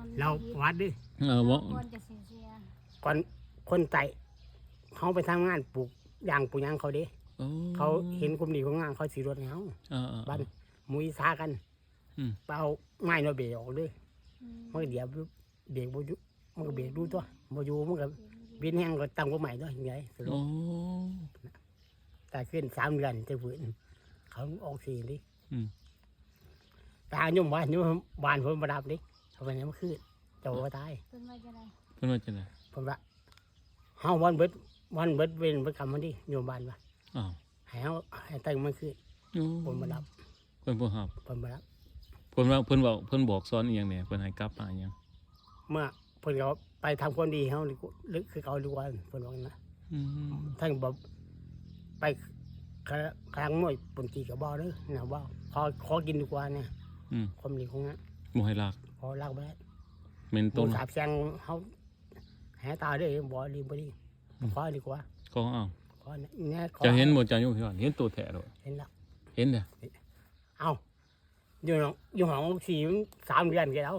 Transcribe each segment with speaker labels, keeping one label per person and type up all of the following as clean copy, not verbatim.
Speaker 1: เราวัดดิ
Speaker 2: บ่
Speaker 3: ก่อนจะเสีย
Speaker 1: ก่อนคนไต่เขาไปทำงานปลูกยางปลูกยางเขาเด้
Speaker 2: โอ้
Speaker 1: เขาเห็นกลุ่มดีของงานเขาสีรถเขา บ้านมุ้ยซากันเปล่าง่ายเนาะเบรกออกเลยมันก็เดี๋ยวเบรกบ่อยู่มันก็เบรกดูตัวบ่อยู่มันก็บินแห้งก็ตั้งกว่าใหม่ด้วยยังไงสรุป
Speaker 2: โอ้
Speaker 1: แต่ขึ้น3 เดือนจะฝืนเขาออกสีดิ ตายุ่มบ้านผมประดับดิเขาไปไหนมาขึ้นเจ้าว่าตาย
Speaker 3: เป็นว่าจะไร
Speaker 2: เพิ่นว่าจังได๋
Speaker 1: ผมว่าเฮาวันเบิดเว้นประกรรมมันดิโยมบ้านว่า
Speaker 2: อ้าว
Speaker 1: ให้เฮาให้ตั้งมันขึ้นผมประดับ
Speaker 2: เพิ่นบ่รับ
Speaker 1: ผมประดับ
Speaker 2: เพิ่นบอกสอนอีหยังแหน่เพิ่นให้กลับมาอีหยัง
Speaker 1: เมื่อเพิ่นเขาไปทำความดีเฮาลึกคือเขาดีกว่าเพิ่นว่านะท่านบอกไปครั้งหน่วยปนกีกับบ่อเด้อนะว่าขอกินดีกว่าเนี่ยความดีของนั้น
Speaker 2: บ่ให้ลาก
Speaker 1: พอลากไปแล้ว
Speaker 2: แม่น
Speaker 1: ต้
Speaker 2: ต้
Speaker 1: น
Speaker 2: น
Speaker 1: สาบแซงเขาแหตาเด้อบ่ดีบ่ดีขอดีกว่า
Speaker 2: ก็เอา
Speaker 1: ขอเนี่ยขอ
Speaker 2: จะเห็นบ่จ้าอยู่พี่ว่าเห็นตัวแท้โดด
Speaker 1: เห็นแล้ว
Speaker 2: เห็นเด้อ
Speaker 1: เอาอยู่ห้องสี่3 เดือนกันแล้ว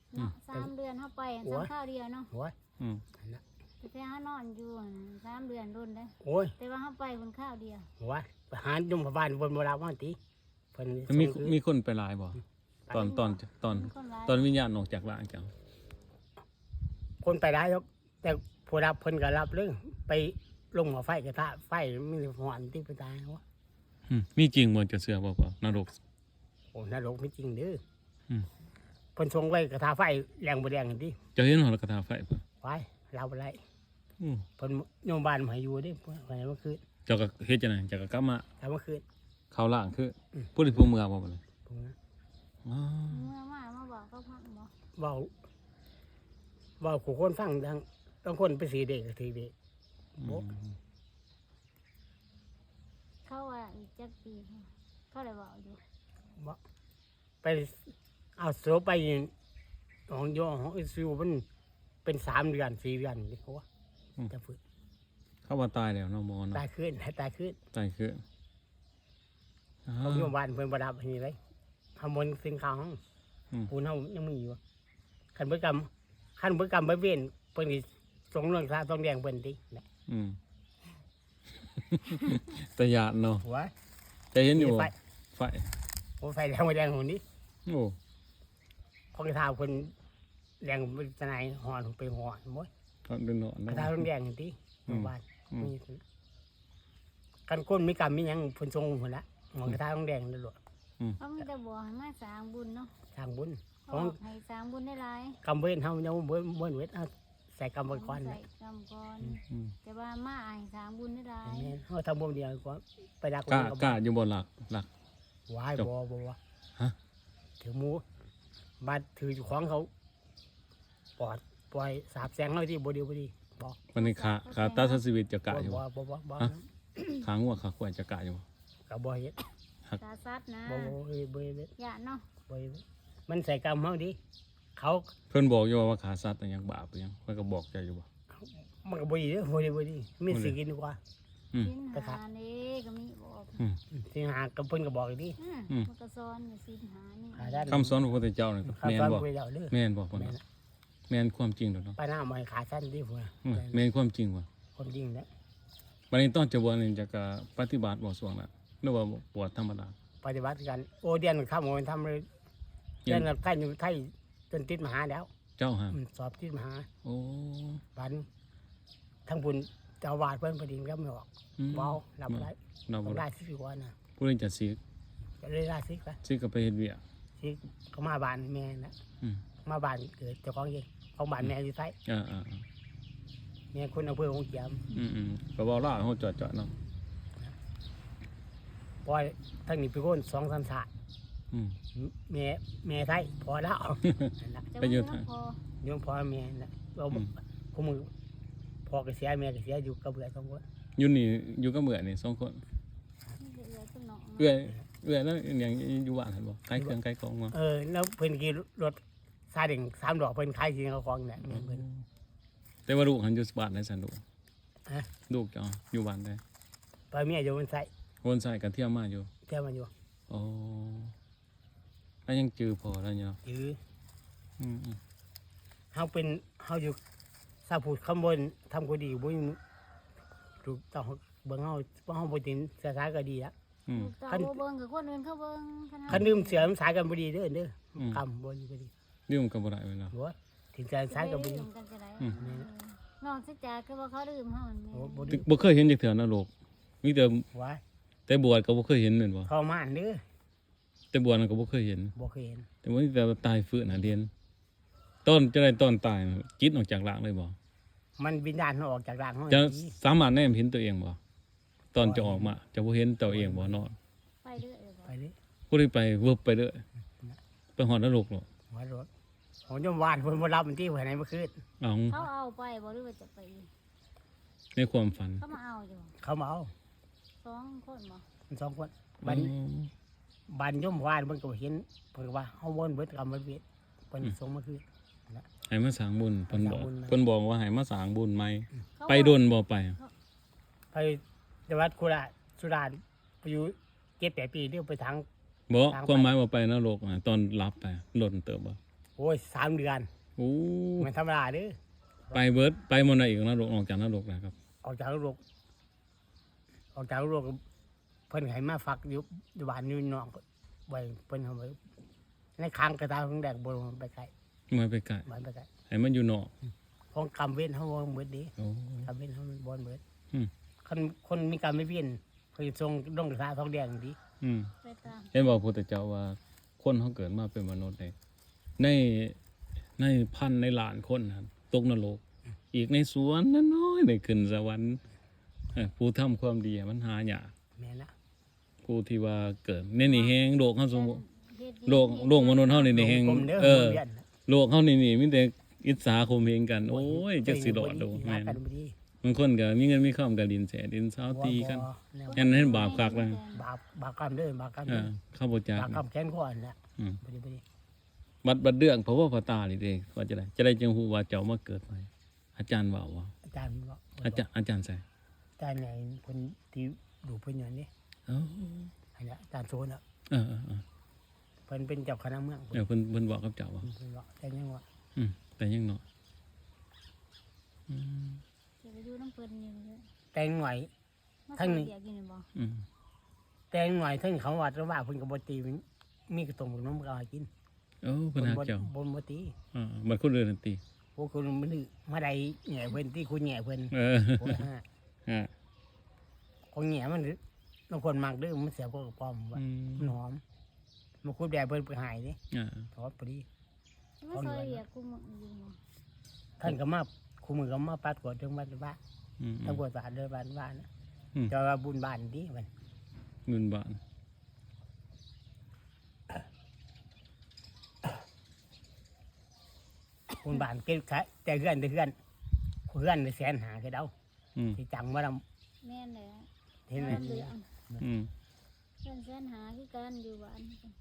Speaker 3: 3 เดือนเข้าไปข้าวเดียวเนาะ
Speaker 1: โอ้ย
Speaker 3: แต่แค่เขานอนอยู่3 เดือนรุ่นเลย
Speaker 1: โอ้ย
Speaker 3: แต่ว่าเข้าไปบนข้าวเดียว
Speaker 1: โอ้ยไปหายุ่งพบ้านบนโบราณวันตีเพิ่น
Speaker 2: มีคนไปหลายบ่ตอนวิญญาณออกจากร่างจัง
Speaker 1: คนไปได้ครับแต่ผู้รับเพิ่นก็รับเรื่องไปลงหัวไฟกระทะไฟมีหอนที่ไปตายวะ
Speaker 2: มีจริงบ่จะเชื่อบ่ว่านรก
Speaker 1: โอ้นรกไม่จริงเด้อเพิ่นส่งไว้กระทะไฟแรงบ่แรงที่
Speaker 2: จะเห็นหอระกระทาไฟบ่
Speaker 1: ไฟเราบ่ได้เพิ่นโยมบ้านมาให้อยู่เด้เพิ่นให้เมื่อคืน
Speaker 2: เจ้าก็เฮ็ดจังได๋เจ้าก็กลับมา
Speaker 1: แต่เมื่อคืน
Speaker 2: เข้าล่างคือผู้ที่ผู้เมืองบ่บัดนี้
Speaker 1: ผมนะ
Speaker 2: อ๋อ
Speaker 3: เมื่อมาบอกก็พังบอก
Speaker 1: เว้าขู่คนฟังดังบางคนไปสีเด็กก็สีเด็กบ่
Speaker 3: เขาว่าอีกจักปีเขาเลยบอกอยู่
Speaker 1: บ่ไปเอาโซไปของโยของอิซิวมันเป็น3 เดือน4 เดือนนี่เขาว่าจะฝึก
Speaker 2: เขาว่าตายแล้วเนาะหมอเนาะ
Speaker 1: ตายขึ้นให้ตายขึ้น
Speaker 2: ตายคือ
Speaker 1: เขาโยมบ้านเพิ่นประดับนี่เลยขโมยสิ่งของปูนเฮายังมีอยู่คันเบิดกรรมบ่เว้นเพิ่นสิส่งเรื่องซาต้องแดงเพิ่นติ
Speaker 2: แต่ยานเนาะ
Speaker 1: หัว
Speaker 2: แต่เห็นอยู่
Speaker 1: ไฟ
Speaker 2: ไฟ
Speaker 1: โอ้ไฟแดงบ่แดงหุ่นนี้
Speaker 2: โอ้
Speaker 1: ของกระทาเพิ่นแดงเป็นสนายหอนไปหอนบ่
Speaker 2: เขาเดินนอน
Speaker 1: กระ
Speaker 2: เนาะ
Speaker 1: ทาต้องแดงติโรงบ้านมีกันก้นมีกรรมมีหยังเพิ่นส่งพุ่นละหอกระทาต้องแดงตลอด
Speaker 3: เขามีแต่บอกให้มาสร้างบุญเนาะ
Speaker 1: สร้างบุญ
Speaker 3: เขาบอกให้สร้างบุญได้หลาย
Speaker 1: กรรมเว้นเฮายังบ่เวทเอาใส่กรรมไว้ก่อน
Speaker 3: ใส่
Speaker 1: นะ
Speaker 3: กำก่อนแต่ว่ามาให้สร้างบุญได้หลาย
Speaker 1: แม่นเฮาทำบุญเดียวก็ไปดัก
Speaker 2: กล้าอยู่บ่หลัก
Speaker 1: วายบ่
Speaker 2: ฮะ
Speaker 1: ถือหมูบัดถือของเขาปล่อยสาบแสงเฮาที่บ่ดีบ่
Speaker 2: วันนี้ขาตัดชีวิตจะกะอยู่
Speaker 1: บ่
Speaker 2: ขางัวขาควายจะกะอยู่
Speaker 1: ก็บ่เฮ็ด
Speaker 3: ตาซัดนะ
Speaker 1: บ่เฮ็ด
Speaker 3: อย่าเนาะ
Speaker 1: บ่เฮ็ดมันใส่กรรมเฮาดิเขา
Speaker 2: เพิ่นบอกอยู่ว่าขาสัตว์ยังบาปยังเพิ่นก็บอกใจอยู่บ่
Speaker 1: มันก็บ่ดีเด้อบ่ดีมีสิกินดีกว่า
Speaker 3: สินหานี่ก็มีบอก
Speaker 1: สิหากับเพิ่นก็บอกอีกดิ
Speaker 3: มันก็ซ้อนอยู่สินหานี่
Speaker 1: หาด้าน
Speaker 2: คำสอนของพระพุทธเจ้านี่
Speaker 1: ครับ
Speaker 2: แม่น
Speaker 1: ฟัง
Speaker 2: บ่
Speaker 1: คุยแล้วเด้อ
Speaker 2: แม่นบ่พุ่นน่ะแม่นความจริงเด้อเนาะ
Speaker 1: ไปหน้ามาขาสั้นดิพุ่นน่ะ
Speaker 2: แม่นความจริงบ่
Speaker 1: คนจริงแล้ว
Speaker 2: วันนี้ต้องจะบวชนี่จะก็ปฏิบัติบ่ช่วงนั้นหรือว่าบวชธรรมดา
Speaker 1: ปฏิบัติกันโอเดียนข้ามโอนทำเลยเดือนละไทยอยู่ไทยจนติดมหาแล้ว
Speaker 2: เจ้าฮะ
Speaker 1: สอบติดมหา
Speaker 2: โอ้
Speaker 1: บันทั้งบุญเจ้าวาดเพิ่นพอดีก็ไม่ออกเบารับได้
Speaker 2: เราบ่
Speaker 1: ได้สิบกว่านะ
Speaker 2: ผู้นี้จะสิ
Speaker 1: ก็เลยได้สิกัน
Speaker 2: สิก็ไปเฮ็ดเวียก
Speaker 1: สิก็มาบ้านแม่นะมาบ้านเกิดเจ้าของเองของบ้านแม่อยู่ไทย
Speaker 2: อ่า
Speaker 1: แม่คนอำเภอของเจียม
Speaker 2: ก็เว้าลาวเฮาจอดๆเนาะ
Speaker 1: ปล่อยทั้งนี้ไปคน2-3 ชาติแม่ไทยพอแล้วนั่น
Speaker 3: จะว่าน้ำพอ
Speaker 1: โยมพ่อแม่นะเราพวกมึงพ่อก็เสียแม่ก็เสียอยู่กับเบื่อ2 คน
Speaker 2: อยู่นี่อยู่กับเบื่อนี่2คน
Speaker 3: นี่เอือต้นหนอง
Speaker 2: เอื้อยแล้วอย่างอยู่บ้านหั่นบ่ขายเครื่องขายของบ่
Speaker 1: แล้วเพิ่นขี่รถซาเด็ง3 ดอกเพิ่นขายสิเขาของเนี่ยเพิ่น
Speaker 2: แต่ว่าลูกหันอยู่บ้านได้ซั่นลูก
Speaker 1: ฮะ
Speaker 2: ลูกเจ้าอยู่บ้านได้
Speaker 1: ไปเมียอยู่บนไส
Speaker 2: วนใส่กันเที่ยวมาอยู่
Speaker 1: เที่ยวมาอยู่
Speaker 2: อ๋อแล้วยังจือพอแล้วเนาะ
Speaker 1: ยื้อเฮาอยู่สาพูดคำบนทำก็ดีบ่ถูกต้องเบิ่งเฮาบ่ตินเสียสายก็ดีละ
Speaker 2: อืม
Speaker 3: ตาบ่เบิ่งกับคนอื่นเขาเบิ่ง
Speaker 1: คันดื่มเสียมสายกันบ่ดีเด้อกำบ่ดีก็ดี
Speaker 2: ดื่มก็บ่ได้เวลา
Speaker 1: บ่ถึงจะสายก็บ่ดี
Speaker 3: กันจะได้
Speaker 2: อืม
Speaker 3: น้องสิจ๋าคือว่าเขาดื่มเฮาแม่
Speaker 1: โอ้บ่ดี
Speaker 2: บ่เคยเห็นจักเทื่อนรกมีแต่
Speaker 1: ว่า
Speaker 2: แต่บวชก็บ่เคยเห็นแม่นบ่
Speaker 1: ทรมานเด้อ
Speaker 2: แต่บวชนั่นก็บ่เคยเห็น
Speaker 1: บ่เคยเห็น
Speaker 2: แต่ว่าแต่ตายฟื้นน่ะเรียนต้นจะได้ต้นตายน่ะจิตออกจากร่างเลยบ่
Speaker 1: มันวิญญาณมันออกจากร่างเฮา
Speaker 2: จะสามารถแนมเห็นตัวเองบ่ตอนจะออกมาจะบ่เห็นตัวเองบ่นอน
Speaker 3: ไปเด้อ
Speaker 1: ไปเลย
Speaker 2: บ่ได้ไปเวิบไปเด้อไปฮอดนรกหรอก
Speaker 1: หัวรถผมจะวานเพิ่นบ่รับมันที่ไว้ไหนเมื่อคืน
Speaker 2: เอา
Speaker 3: เขาเอาไปบ่หรือว่าจะไป
Speaker 2: ในความฝัน
Speaker 3: เขามาเอาอยู่
Speaker 1: เขามาเอา
Speaker 3: 2คนบ่
Speaker 1: มันสองคนบันย่อมวานมันก็เห็นเพิ่นก็ว่าเฮาวนเบิดกรรมเวทเพิ่นส่งมาคืน
Speaker 2: ให้มาสร้างบุญเพิ่นบอก
Speaker 1: สร้างบุญไหม
Speaker 2: เพิ่นบอกว่าให้มาสร้างบุญใหม่
Speaker 3: เขา
Speaker 2: ไปโดนบ่ไป
Speaker 1: ไปจังหวัดโคราชสุราษฎร์ไปอยู่7-8 ปีเดี๋ยวไปทาง
Speaker 2: บ่
Speaker 1: ทางไป
Speaker 2: ความหมายว่าไปนรกน่ะตอนรับไปหล่นเติบบ่
Speaker 1: โอ้ย3 เดือน
Speaker 2: โอ้
Speaker 1: มันธรรมดาเด้อ
Speaker 2: ไปเบิดไปหมดน่ะอีกนรกออกจากนรกนะครับ
Speaker 1: ออกจากโรคเพิ่นให้มาฟักอยู่บ้านอยู่นอกไว้เพิ่นเอาไว้ในค้างกระตาของแดกบ่ไปไกล
Speaker 2: มาไปไกล
Speaker 1: บ้านไปไกล
Speaker 2: ให้มันอยู่นอก
Speaker 1: ของกรรมเวทเฮาบ่เบิดดี
Speaker 2: โอ้
Speaker 1: กรรมเวทเฮาบ่เบิด
Speaker 2: อืม
Speaker 1: คนมีกรรมไม่เวียนเพิ่นส่งดงกระทาทองแดงดี
Speaker 2: อืม
Speaker 3: ไปตาม
Speaker 2: เห็นบอกพระพุทธเจ้าว่าคนเขาเกิดมาเป็นมนุษย์ในพันในล้านคนนะครับตกนรกอีกในสวนน้อยๆได้ขึ้นสวรรค์ผู้ทำความดีมันหายาก
Speaker 1: แม่นละ
Speaker 2: ผู้ที่ว่าเกิดในนี่แฮงโลกเฮาสมมุติ
Speaker 3: เฮ็ดดี
Speaker 2: โลกมนุษย์เฮานี่แฮง
Speaker 1: กลมเด้อ
Speaker 2: เออ
Speaker 1: เวียน
Speaker 2: โลกเฮานี่มีแต่อิจฉาข่มเหงกัน โอ้ยจักสิรอดดู
Speaker 1: แม่
Speaker 2: แม่
Speaker 1: น
Speaker 2: น
Speaker 1: กันบ่ดี
Speaker 2: บางคนก็มีเงินมีคำก็ดินแสดินเช้าตีกัน
Speaker 1: บ่แนว
Speaker 2: อันนั้นบาปคักนะ
Speaker 1: บาปกรรมเด้อบาปกรรม
Speaker 2: เอ
Speaker 1: เด้อ
Speaker 2: อเข้าบ่จัก
Speaker 1: บาปกรร
Speaker 2: นะ
Speaker 1: มแค้นข้อนั่นแหละ
Speaker 2: อืม
Speaker 1: บ่ดีบ่ดี
Speaker 2: บัดเรื่องเพราะว่าพระตานี่เด้ว่าจะได้จังฮู้ว่าเจ้ามาเกิดใหม่อาจารย์ว่าว่า
Speaker 1: อาจารย์บอก
Speaker 2: อาจารย์ใส่
Speaker 1: อาจารย์ไหนคนที่ดูเพิ่นอยู่นี่
Speaker 2: เอ้า
Speaker 1: อันนี้อาจารย์โซนอ่ะ
Speaker 2: เออ
Speaker 1: เพิ่นเป็นเจ้าคณะเมือง
Speaker 2: เพิ่นบอกกับเจ้าว่า
Speaker 1: เพิ่นบอกแต่ยังว่า
Speaker 2: แต่ยังน้อย
Speaker 3: จะไปอยู่น้ำเพิ่นอยู่เลย
Speaker 1: แต่งหน่อย
Speaker 3: มา
Speaker 1: ทั้งนี้
Speaker 3: เดียวกินบ่
Speaker 1: แต่งหน่อยถึงเขาวัดว่าเพิ่นก็บ่ตีมันมีกระตรงกับน้ำก็เอาให้กิน
Speaker 2: โอ้เพิ่นหาเจ้า
Speaker 1: บ่ตี
Speaker 2: มันคนอื่นตี
Speaker 1: พวกคุณมันนี่มาได้แหน่เพิ่นที่คุณแหน่เพิ่น โอ้ยฮะ ของแหน่มันบางคนมักเด้อมันเสียบกับปอมว่ามันหอมมันคุดแดดเพิ่นไปหายนี่ทอดพอดี
Speaker 3: มาซอยเรียกกูมึงอยู่บ่
Speaker 1: ท่านก็มาคู่มือก็มาปัดกวาดถึงบ้านบ้านตำรวจสะอาดเดินบ้านบ้านนะจะว่าบุญบ้านดีมัน
Speaker 2: เงินบาท
Speaker 1: บุญบ้านเก็บขายแต่เพื่อนในแสนหาคือเดาที่จังว่าเรา
Speaker 3: แม่นเลย
Speaker 1: เห็นไหม
Speaker 3: เหลือง
Speaker 2: อืม
Speaker 3: แสนหาคือกันอยู่บ้าน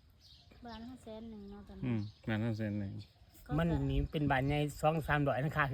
Speaker 3: เขา100,000เนาะตอน
Speaker 2: อื
Speaker 3: นี้
Speaker 2: มงานนั้นเซ็นเลย
Speaker 1: มันนี่เป็นบ้านใหญ่2-3 ดอยนะคะ